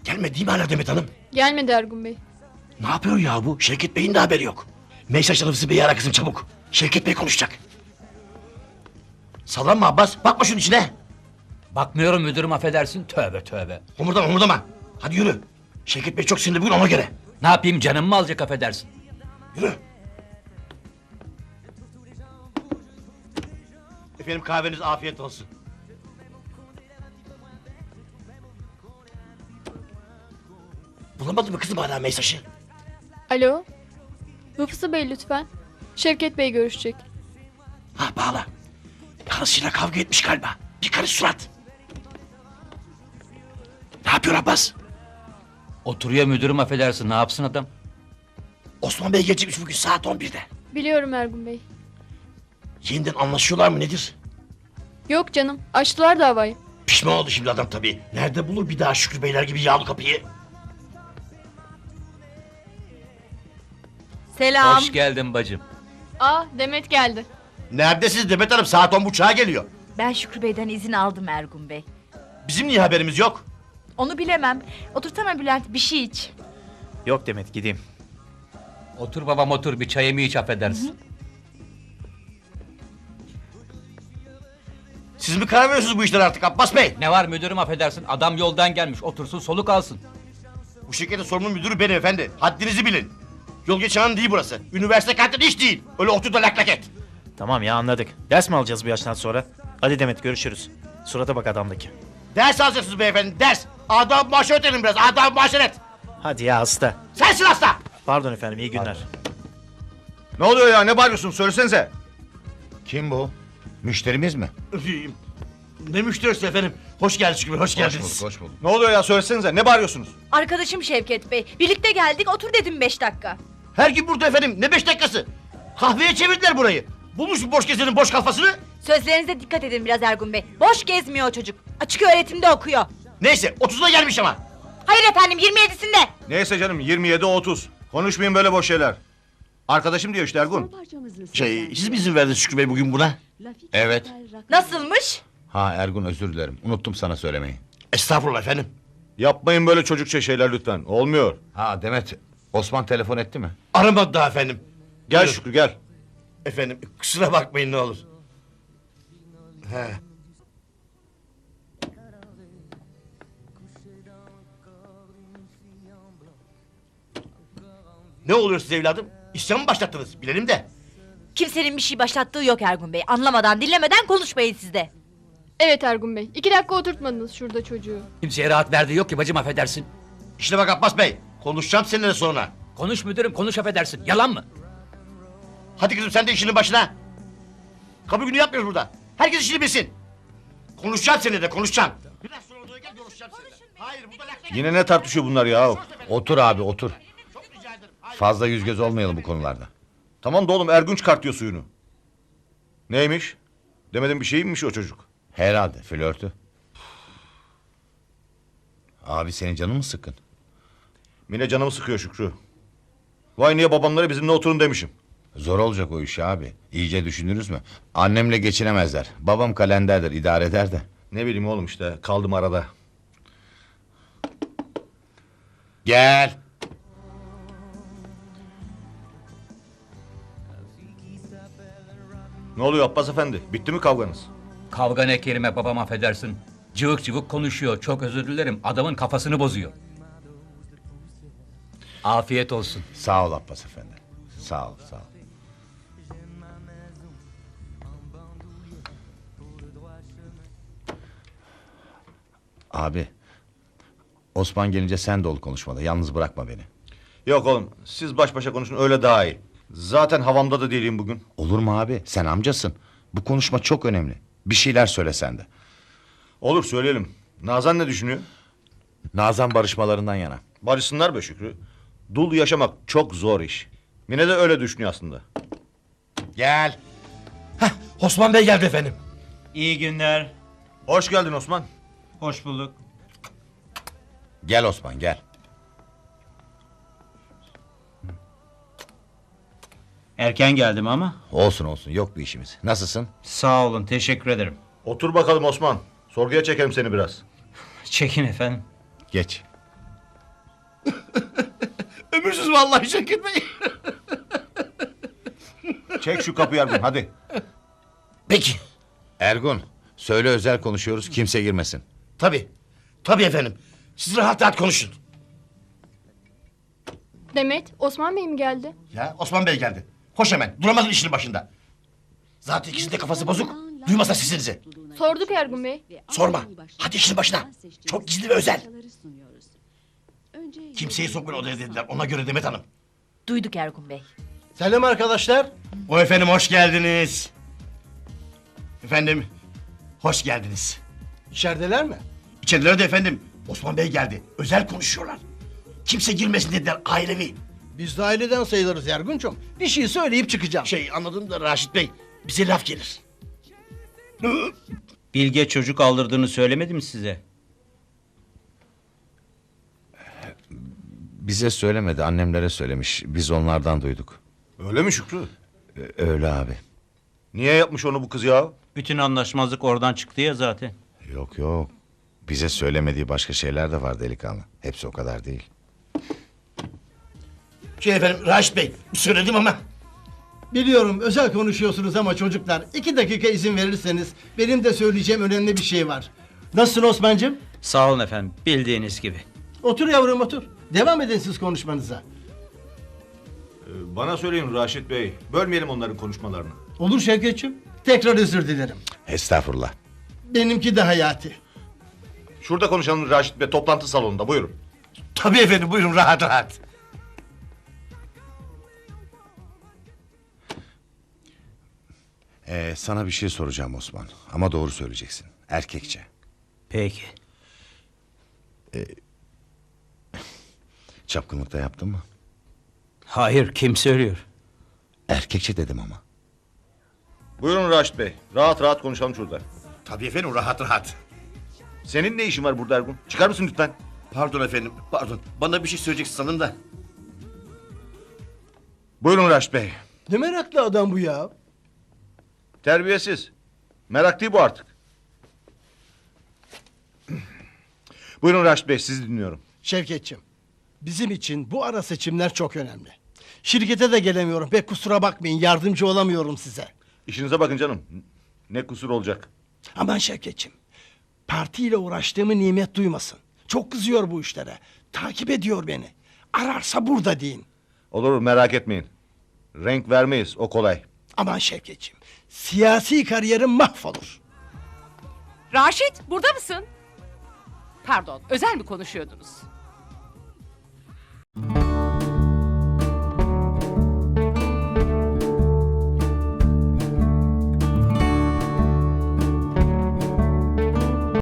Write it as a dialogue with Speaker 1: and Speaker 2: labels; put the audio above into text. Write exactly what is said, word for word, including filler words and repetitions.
Speaker 1: Gelmedi değil mi hala Demet Hanım?
Speaker 2: Gelmedi Ergun Bey.
Speaker 1: Ne yapıyor ya bu? Şevket Bey'in de haberi yok. Mesaj Rıfzı Bey'i ara kızım çabuk. Şevket Bey konuşacak. Sallanma Abbas. Bakma şunun içine.
Speaker 3: Bakmıyorum müdürüm, affedersin. Tövbe tövbe.
Speaker 1: Homurdama homurdama. Hadi yürü. Şevket Bey çok sinirli bugün ona göre.
Speaker 3: Ne yapayım, canım mı alacak, affedersin.
Speaker 1: Yürü. Efendim kahveniz afiyet olsun. Bulamadın mı kızım hala mesajı?
Speaker 2: Alo. Rıfsı Bey lütfen. Şevket Bey görüşecek.
Speaker 1: Ha bağla. Karısıyla kavga etmiş galiba. Bir karış surat. Ne yapıyor Abbas?
Speaker 3: Oturuyor müdürüm, affedersin. Ne yapsın adam?
Speaker 1: Osman Bey gelecekmiş bugün saat on birde.
Speaker 2: Biliyorum Ergun Bey.
Speaker 1: Yeniden anlaşıyorlar mı nedir?
Speaker 2: Yok canım. Açtılar davayı.
Speaker 1: Pişman oldu şimdi adam tabii. Nerede bulur bir daha Şükrü Beyler gibi yağlı kapıyı?
Speaker 4: Selam.
Speaker 3: Hoş geldin bacım.
Speaker 2: Aa Demet geldi.
Speaker 1: Neredesiniz Demet Hanım? Saat on buçuğa geliyor.
Speaker 4: Ben Şükrü Bey'den izin aldım Ergun Bey.
Speaker 1: Bizim niye haberimiz yok?
Speaker 4: Onu bilemem. Otursana Bülent, bir şey iç.
Speaker 5: Yok Demet, gideyim.
Speaker 3: Otur babam otur, bir çayımı iç, affedersin.
Speaker 1: Siz mi karar veriyorsunuz bu işlere artık Abbas Bey?
Speaker 3: Ne var müdürüm, affedersin. Adam yoldan gelmiş, otursun soluk alsın.
Speaker 1: Bu şirketin sorumlu müdürü benim efendi. Haddinizi bilin. Yol geçen değil burası. Üniversite kantini hiç değil. Öyle otur da lak lak et.
Speaker 5: Tamam ya, anladık. Ders mi alacağız bu yaştan sonra? Hadi Demet, görüşürüz. Surata bak adamdaki.
Speaker 1: Ders alacaksınız beyefendi ders. Adam maşeret edin biraz. Adam maşeret.
Speaker 5: Hadi ya, hasta.
Speaker 1: Sensin hasta.
Speaker 5: Pardon efendim, iyi günler.
Speaker 6: Ne oluyor ya, ne bağırıyorsun, söylesenize. Kim bu? Müşterimiz mi?
Speaker 1: Ne müşterisi efendim? Hoş geldiniz Şükrü Bey, hoş geldiniz.
Speaker 6: Hoş bulduk, hoş bulduk. Ne oluyor ya, söylesenize, ne bağırıyorsunuz?
Speaker 4: Arkadaşım Şevket Bey. Birlikte geldik, otur dedim beş dakika.
Speaker 1: Her gün burada efendim. Ne beş dakikası? Kahveye çevirdiler burayı. Bulmuş bu boş gezenin boş kafasını.
Speaker 4: Sözlerinize dikkat edin biraz Ergun Bey. Boş gezmiyor o çocuk. Açık öğretimde okuyor.
Speaker 1: Neyse otuzuna gelmiş ama.
Speaker 4: Hayır efendim, yirmi yedisinde.
Speaker 6: Neyse canım, yirmi yedi otuz. Konuşmayın böyle boş şeyler. Arkadaşım diyor işte Ergun.
Speaker 1: Şey siz mi izin verdiniz Şükrü Bey bugün buna?
Speaker 6: Evet.
Speaker 4: Nasılmış?
Speaker 6: Ha Ergun, özür dilerim, unuttum sana söylemeyi.
Speaker 1: Estağfurullah efendim.
Speaker 6: Yapmayın böyle çocukça şeyler lütfen, olmuyor.
Speaker 7: Ha Demet, Osman telefon etti mi?
Speaker 1: Aramadı daha efendim.
Speaker 6: Gel
Speaker 1: Buyurun.
Speaker 6: Şükrü, gel.
Speaker 1: Efendim kusura bakmayın ne olur. He. Ne oluyor size evladım? İsyan mı başlattınız? Bilelim de.
Speaker 4: Kimsenin bir şey başlattığı yok Ergun Bey. Anlamadan dinlemeden konuşmayın siz de.
Speaker 2: Evet Ergun Bey. İki dakika oturtmadınız şurada çocuğu.
Speaker 3: Kimseye rahat verdiği yok ki bacım, affedersin.
Speaker 1: İşte bak Abbas Bey. Konuşacağım seninle sonra.
Speaker 3: Konuş müdürüm, konuş, affedersin. Yalan mı?
Speaker 1: Hadi kızım sen de işinin başına. Kapı günü yapmıyoruz burada. Herkes işini bilsin. Konuşacağım seninle de konuşacağım. Biraz sonra odaya gel konuşacağım seninle. Hayır burada lak lak.
Speaker 6: Yine ne tartışıyor bunlar ya?
Speaker 7: Otur abi otur.
Speaker 1: Çok rica ederim. Hayır.
Speaker 7: Fazla yüz göz olmayalım bu konularda.
Speaker 6: Tamam da oğlum, Ergun çıkartıyor suyunu. Neymiş? Demedim bir şeymiş o çocuk.
Speaker 7: Herhalde flörtü. Abi senin canın mı sıkkın?
Speaker 6: Mine canımı sıkıyor Şükrü. Vay niye babamlara bizimle oturun demişim.
Speaker 7: Zor olacak o iş abi. İyice düşünürüz mü? Annemle geçinemezler. Babam kalenderdir, idare eder de.
Speaker 6: Ne bileyim oğlum, işte kaldım arada.
Speaker 7: Gel.
Speaker 6: Ne oluyor Abbas efendi? Bitti mi kavganız?
Speaker 3: Kavga ne kelime babam, affedersin. Cıvık cıvık konuşuyor, çok özür dilerim. Adamın kafasını bozuyor. Afiyet olsun.
Speaker 7: Sağ ol Abbas efendi. Sağ ol, sağ ol. Abi, Osman gelince sen de ol konuşmada. Yalnız bırakma beni.
Speaker 6: Yok oğlum, siz baş başa konuşun, öyle daha iyi. Zaten havamda da değilim bugün.
Speaker 7: Olur mu abi? Sen amcasın. Bu konuşma çok önemli. Bir şeyler söyle sen de.
Speaker 6: Olur, söyleyelim. Nazan ne düşünüyor?
Speaker 7: Nazan barışmalarından yana.
Speaker 6: Barışsınlar be Şükrü. Dul yaşamak çok zor iş. Mine de öyle düşünüyor aslında.
Speaker 1: Gel. Heh, Osman Bey geldi efendim.
Speaker 5: İyi günler.
Speaker 6: Hoş geldin Osman.
Speaker 5: Hoş bulduk.
Speaker 7: Gel Osman gel.
Speaker 5: Erken geldim ama.
Speaker 7: Olsun olsun yok bir işimiz. Nasılsın?
Speaker 5: Sağ olun, teşekkür ederim.
Speaker 6: Otur bakalım Osman. Sorguya çekelim seni biraz.
Speaker 5: Çekin efendim.
Speaker 7: Geç.
Speaker 1: Ömürsüz vallahi Şevket Bey.
Speaker 6: Çek şu kapıyı Ergun hadi.
Speaker 1: Peki.
Speaker 7: Ergun, söyle özel konuşuyoruz, kimse girmesin.
Speaker 1: Tabii. Tabii efendim. Siz rahat rahat konuşun.
Speaker 2: Demet, Osman Bey mi geldi?
Speaker 1: Ya Osman Bey geldi. Hoş hemen. Duramazsın işinin başında. Zaten ikisinin de kafası bozuk. Duymasa sesinizi.
Speaker 2: Sorduk Ergun Bey.
Speaker 1: Sorma. Hadi işinin başına. Çok gizli ve özel. Kimseyi sokmayın odaya dediler. Ona göre Demet Hanım.
Speaker 4: Duyduk Ergun Bey.
Speaker 8: Selam arkadaşlar.
Speaker 1: O efendim hoş geldiniz. Efendim hoş geldiniz.
Speaker 8: İçerideler mi?
Speaker 1: İçerilere de efendim Osman Bey geldi. Özel konuşuyorlar. Kimse girmesin dediler ailevi.
Speaker 8: Biz de aileden sayılırız Ergun'cum. Bir şey söyleyip çıkacağım.
Speaker 1: Şey anladım da Raşit Bey bize laf gelir.
Speaker 9: Bilge çocuk aldırdığını söylemedi mi size?
Speaker 7: Bize söylemedi, annemlere söylemiş. Biz onlardan duyduk.
Speaker 6: Öyle mi Şükrü?
Speaker 7: Ee, Öyle abi.
Speaker 6: Niye yapmış onu bu kız ya?
Speaker 9: Bütün anlaşmazlık oradan çıktı ya zaten.
Speaker 7: Yok yok. Bize söylemediği başka şeyler de var delikanlı. Hepsi o kadar değil.
Speaker 1: Şey efendim Raşit Bey söyledim ama.
Speaker 8: Biliyorum özel konuşuyorsunuz ama çocuklar iki dakika izin verirseniz benim de söyleyeceğim önemli bir şey var. Nasılsın Osman'cığım?
Speaker 9: Sağ olun efendim, bildiğiniz gibi.
Speaker 8: Otur yavrum otur. Devam edin siz konuşmanıza.
Speaker 6: Ee, Bana söyleyin Raşit Bey. Bölmeyelim onların konuşmalarını.
Speaker 8: Olur Şevketçim. Tekrar özür dilerim.
Speaker 7: Estağfurullah.
Speaker 8: Benimki de hayati.
Speaker 6: Şurada konuşalım Raşit Bey, toplantı salonunda, buyurun.
Speaker 1: Tabii efendim buyurun rahat rahat.
Speaker 7: Ee, sana bir şey soracağım Osman. Ama doğru söyleyeceksin. Erkekçe.
Speaker 9: Peki.
Speaker 7: Çapkınlıkta yaptın mı?
Speaker 9: Hayır, kim söylüyor?
Speaker 7: Erkekçe dedim ama.
Speaker 6: Buyurun Raşit Bey, rahat rahat konuşalım şurada.
Speaker 1: Tabii efendim rahat rahat.
Speaker 6: Senin ne işin var burada Ergun? Çıkar mısın lütfen?
Speaker 1: Pardon efendim pardon. Bana bir şey söyleyeceksin sanırım da.
Speaker 6: Buyurun Raşit Bey.
Speaker 8: Ne meraklı adam bu ya.
Speaker 6: Terbiyesiz. Merak değil bu artık. Buyurun Raşit Bey, sizi dinliyorum.
Speaker 8: Şevketçim. Bizim için bu ara seçimler çok önemli. Şirkete de gelemiyorum. Pek kusura bakmayın yardımcı olamıyorum size.
Speaker 6: İşinize bakın canım. Ne kusur olacak?
Speaker 8: Aman Şevketçim. Partiyle uğraştığımı nimet duymasın. Çok kızıyor bu işlere. Takip ediyor beni. Ararsa burada deyin.
Speaker 6: Olur, merak etmeyin. Renk vermeyiz, o kolay.
Speaker 8: Aman Şevketçim. Siyasi kariyerim mahvolur.
Speaker 10: Raşit burada mısın? Pardon özel mi konuşuyordunuz?